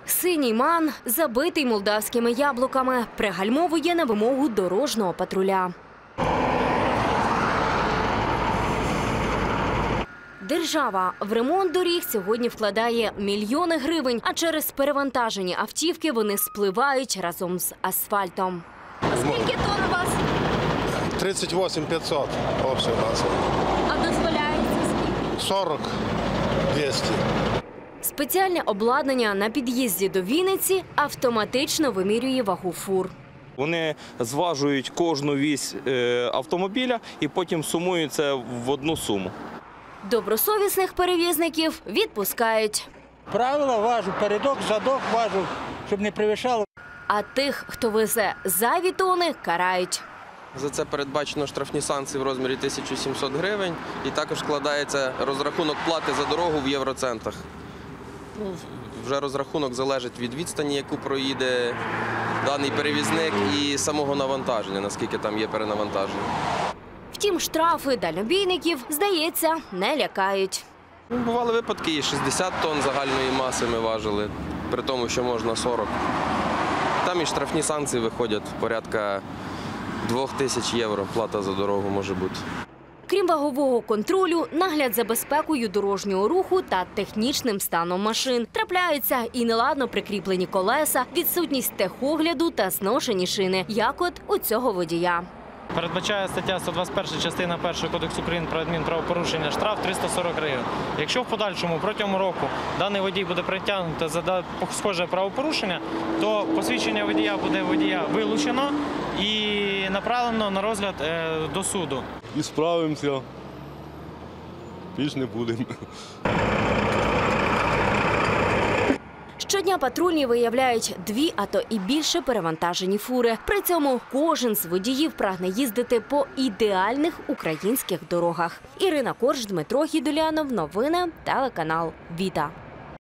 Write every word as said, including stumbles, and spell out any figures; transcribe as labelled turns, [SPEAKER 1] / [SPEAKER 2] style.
[SPEAKER 1] Синій ман, забитий молдавськими яблуками, пригальмовує на вимогу дорожнього патруля. Держава в ремонт доріг сьогодні вкладає мільйони гривень, а через перевантажені автівки вони спливають разом з асфальтом. А скільки тонн у вас?
[SPEAKER 2] тридцять вісім п'ятсот общий масса.
[SPEAKER 1] А дозволяється скільки?
[SPEAKER 2] сорок двісті.
[SPEAKER 1] Спеціальне обладнання на під'їзді до Вінниці автоматично вимірює вагу фур.
[SPEAKER 3] Вони зважують кожну вісь автомобіля і потім сумують це в одну суму.
[SPEAKER 1] Добросовісних перевізників відпускають.
[SPEAKER 4] Правила важу, передок, задок важу, щоб не перевищало.
[SPEAKER 1] А тих, хто везе зайві тони, карають.
[SPEAKER 5] За це передбачено штрафні санкції в розмірі тисяча сімсот гривень і також складається розрахунок плати за дорогу в євроцентах. Ну, вже розрахунок залежить від відстані, яку проїде даний перевізник, і самого навантаження, наскільки там є перенавантаження.
[SPEAKER 1] Втім, штрафи дальнобійників, здається, не лякають.
[SPEAKER 5] Ну, бували випадки, і шістдесят тонн загальної маси ми важили, при тому, що можна сорок. Там і штрафні санкції виходять порядка двох тисяч євро, плата за дорогу може бути.
[SPEAKER 1] Крім вагового контролю, нагляд за безпекою дорожнього руху та технічним станом машин. Трапляються і неладно прикріплені колеса, відсутність техогляду та зношені шини, як от у цього водія.
[SPEAKER 6] Передбачає стаття сто двадцять перша частина перша Кодексу України про адмінправопорушення штраф триста сорок гривень. Якщо в подальшому протягом року даний водій буде притягнути за схоже правопорушення, то посвідчення водія буде водія вилучено і направлено на розгляд до суду.
[SPEAKER 7] І справимося, більш не будемо.
[SPEAKER 1] Щодня патрульні виявляють дві, а то і більше перевантажені фури. При цьому кожен з водіїв прагне їздити по ідеальних українських дорогах. Ірина Корж, Дмитро Гідулянов. Новини телеканал «Віта».